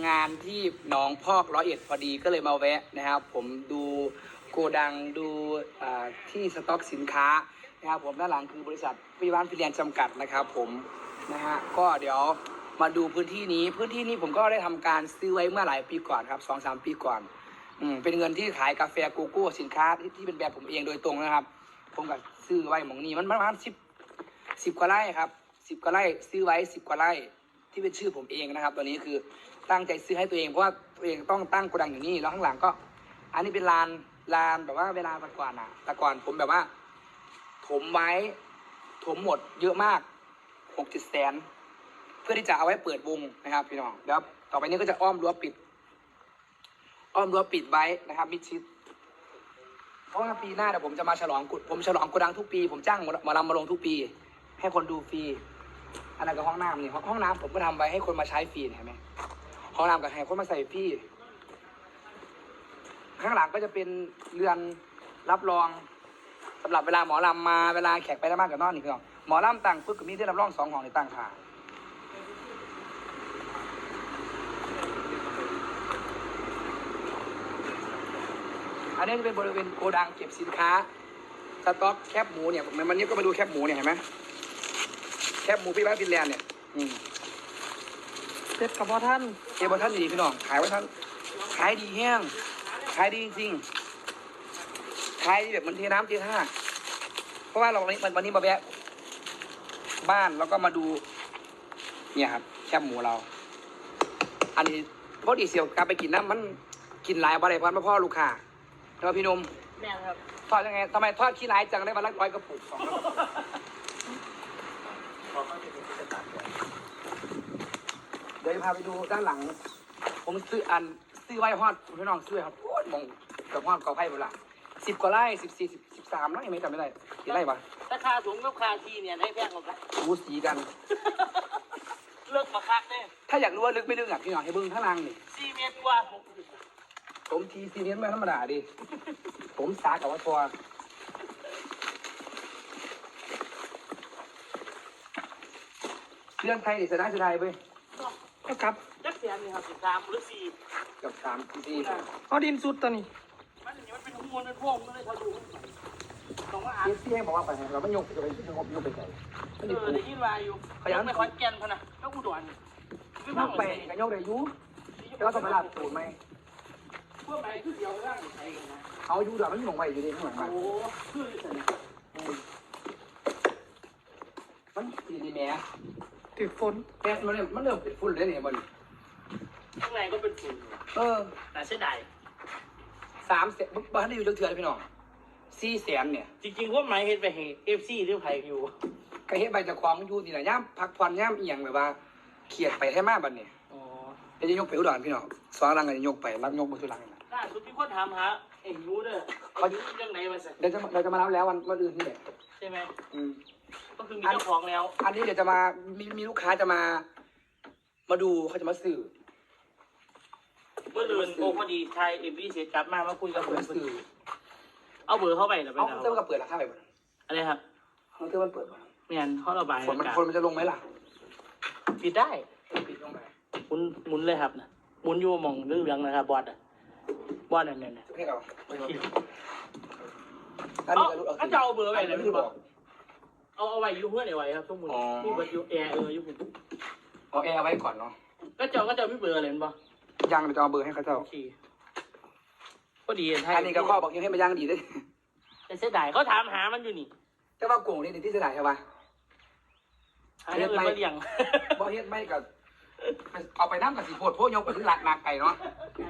งานที่หนองพอก101พอดีก็เลยมาแวะนะครับผมดูโกดังดูที่สต็อกสินค้านะครับผมด้านหลังคือบริษัทพิวานฟิเลียนจำกัดนะครับผมนะฮะก็เดี๋ยวมาดูพื้นที่นี้ผมก็ได้ทำการซื้อไว้เมื่อหลายปีก่อนครับ2-3 ปีก่อนเป็นเงินที่ขายกาแฟโกโก้สินค้าที่เป็นแบรนด์ผมเองโดยตรงนะครับผมก็ซื้อไว้หมองนี้มันประมาณ10 กว่าไร่ครับ10 กว่าไร่ซื้อไว้10 กว่าไร่ที่เป็นชื่อผมเองนะครับตอนนี้คือตั้งใจซื้อให้ตัวเองเพราะว่าตัวเองต้องตั้งโกดังอยู่นี่แล้วข้างหลังก็อันนี้เป็นลานแบบว่าเวลาแต่ก่อนผมแบบว่าถมไว้ถมหมดเยอะมาก6-7 แสนเพื่อที่จะเอาไว้เปิดวงนะครับพี่น้องแล้วต่อไปนี้ก็จะอ้อมรั้วปิดไว้นะครับมิดชิดเพราะว่าปีหน้าเดี๋ยวผมจะมาฉลองโกดังทุกปีผมจ้างหมอลำมาลงทุกปีให้คนดูฟรีอันนั้นก็ห้องน้ำนี่ห้องน้ำผมก็ทำไว้ให้คนมาใช้ฟรีเห็นไหมห้องน้ำกับให้คนมาใส่ฟรีข้างหลังก็จะเป็นเรือนรับรองสำหรับเวลาหมอลำมาเวลาแขกไปได้มากกับนอนนี่พี่น้องหมอลำตั้งปึ๊กก็มีที่รับรอง2 ห้องในตั้งค่ะอันนี้จะเป็นบริเวณโกดังเก็บสินค้าสต็อกแคบหมูเนี่ยวันนี้ก็มาดูแคบหมูเนี่ยเห็นไหมแคบหมูพี่บ้านฟินแลนด์เนี่ยเจ็ดกับพ่อท่านดีพี่น้องขายไว้ท่านขายดีแห้งขายดีจริงๆขายแบบมันเทน้ำเทท่าเพราะว่าวันนี้มาแวะบ้านแล้วก็มาดูเนี่ยครับแคบหมูเราอันนี้พอดีเสียวกลับไปกินน้ำมันกินหลายวันเลยเพราะพ่อลูกค้าแล้วพี่นุ่มแม่ครับทอดยังไงทำไมทอดขี้ร้ายจังได้วันละ100 กระปุก2 กระปุกเดี๋ยวพาไปดูด้านหลังผมซื้อไว้ฮอดพี่น้องซื้อครับโอ้ยมองกับฮอดกอไผ่หมดละ10 กว่าไร่13แล้วยังไม่จำไม่ได้กี่ไร่ปะราคาสูงกับคาทีเนี่ยได้แพงกว่ากันบูสีกันเลิกมาคักเนี่ยถ้าอยากรู้ว่าลึกไม่ลึกอ่ะพี่น้องให้เบิ้งข้างล่างนี่ 4 เมตรกว่าผมที4 เมตรไม่ธรรมดาดิผมสากับว่าทัวเรื่องไทยนี่เสียดายไปก็ครับจักเสียนี่ครับ3 หรือ 4 กับ3-4 เขาดินสุดตอนนี้มันเป็นหัวมันพ่วงมันเลยเขาดูต้องว่าที่ให้บอกว่าไปเราไม่ยกจะไปที่ยกไปใส่ได้ยินว่าอยู่เขายังไม่คอนแก่นพนะก็อุดรยกไปกันยกได้ยุแล้วต้องไปลาดตูดไหมพวกไหนคือเดียวร่างใครกันนะเอาอยู่ด่ามันหลงไปอยู่ดีข้างหลังบ้านโอ้คือมันสีดีแม่ติดฝนแก๊สมันเริ่มเป็นฝุ่นเลยเนี่ยมันข้างในก็เป็นฝุ่นแต่เสียดาย 3 แสนบ้านได้อยู่เถื่อนพี่น้อง4 แสนเนี่ยจริงๆพวกไหนเห็นไปเห็นFC หรือไผอยู่ก็เห็นใบจากความอยู่นี่แหละย่ำพักผ่อนย่ำเอียงแบบว่าเขียดไปให้มากบัดเนี่ยจะยกไปอุดรพี่น้องสองรังกันจะยกไปรับยกมือสุรังล่าสุดมีคนถามหาเอ็งรู้เด้อเขาอยู่เรื่องไหนมาสิเราจะมารับแล้ววันอื่นนี่แหละใช่ไหมก็คือมีเจ้าของแล้วอันนี้เดี๋ยวจะมามีลูกค้าจะมาดูเขาจะมาสื่อเมื่อเดือนโอ้พอดีชายเอ็มบีเสียจับมาคุยกับผมสื่อเอาเบอร์เข้าไปหรือไปเอาเติมกับเปิดราคาไปบ่อะไรครับเขาเติมมันเปิดบ่ไม่งั้นเขาระบายคนมันจะลงไหมล่ะปิดได้ปิดลงไปหมุนเลยครับนะหมุนอยู่มองเรื่องนะครับบอสเนี่ยให้เราก็จะเอาเบอร์ไปเลยพี่บอกเอาไว้อยู่เพื่อนไว้ครับทุกคนมีเบอร์อยู่แอร์อยู่ผมเอาแอร์ไว้ก่อนเนาะก็จะไม่เบอร์อะไรมั้งยังจะเอาเบอร์ให้เขาเจ้าก็ดีอันนี้ก็ข้อบอกยังให้มาย่างดีด้วยแต่เสียดายเขาถามหามันอยู่นี่แต่ว่าโก่งนี่ที่เสียดายใช่ปะเฮ็ดไม่เลี้ยงบ่เฮ็ดไม่กับเอาไปน้ำกับสีโพดพวกยกไปถึงหลักไก่เนาะ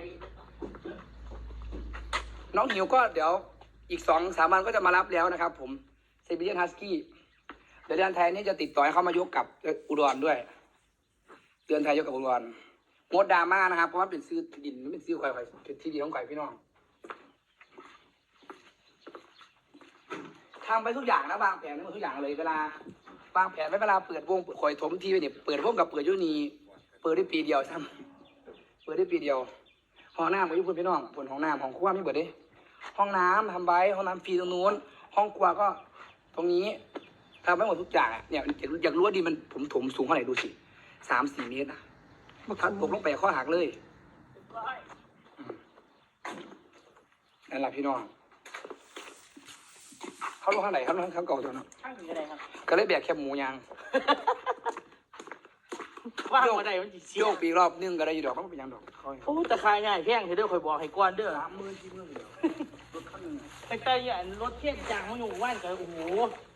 น้องหิวก็เดี๋ยวอีก2-3 วันก็จะมารับแล้วนะครับผมเซบิเลียนฮัสกี้เดี๋ยวเดือนไทยนี่จะติดต่อให้เขามายกกับอุดรด้วยเดือนไทยยกกับอุดรงดดราม่านะครับเพราะว่าเป็นซื้อดินเป็นซื้อควายเป็นที่ดินของไก่พี่น้องทำไปทุกอย่างนะวางแผนทุกอย่างเลยเวลาวางแผนไว้เวลาเปิดวงคอยถมทีไปเนี่ยเปิดวงกับเปิดยุนีเปิดได้ปีเดียวซ้ำเปิดได้ปีเดียวห้องน้ำของยุคุณพี่น้องผลห้องน้ำของครัวไม่เปิดดิห้องน้ำทำไว้ห้องน้ำฟรีตรงนู้นห้องครัวก็ตรงนี้ทำไว้หมดทุกอย่างเนี่ยอยากรู้ว่าดีมันผมถมสูงเท่าไหร่ดูสิ3-4 เมตรนะมันคันตกลงไปข้อหักเลยนั่นแหละพี่น้องเขาลงข้างไหนเขาลงข้างเก่าตัวเนาะข้างถึงอะไรครับก็เลยแบกแคบหมูยางว่างมาได้มันจีเสียโยกปีกรอบนึงก็ได้อยู่ดอกเขาไม่เป็นหยังดอกเขาโอ้แต่ขายง่ายแพงเธอเด้อคอยบอกให้ก้อนเด้อ 30,000 40,000เดียวรถคันหนึงแต่อย่างรถเทียนจางมันอยู่ว่านก็โอ้โห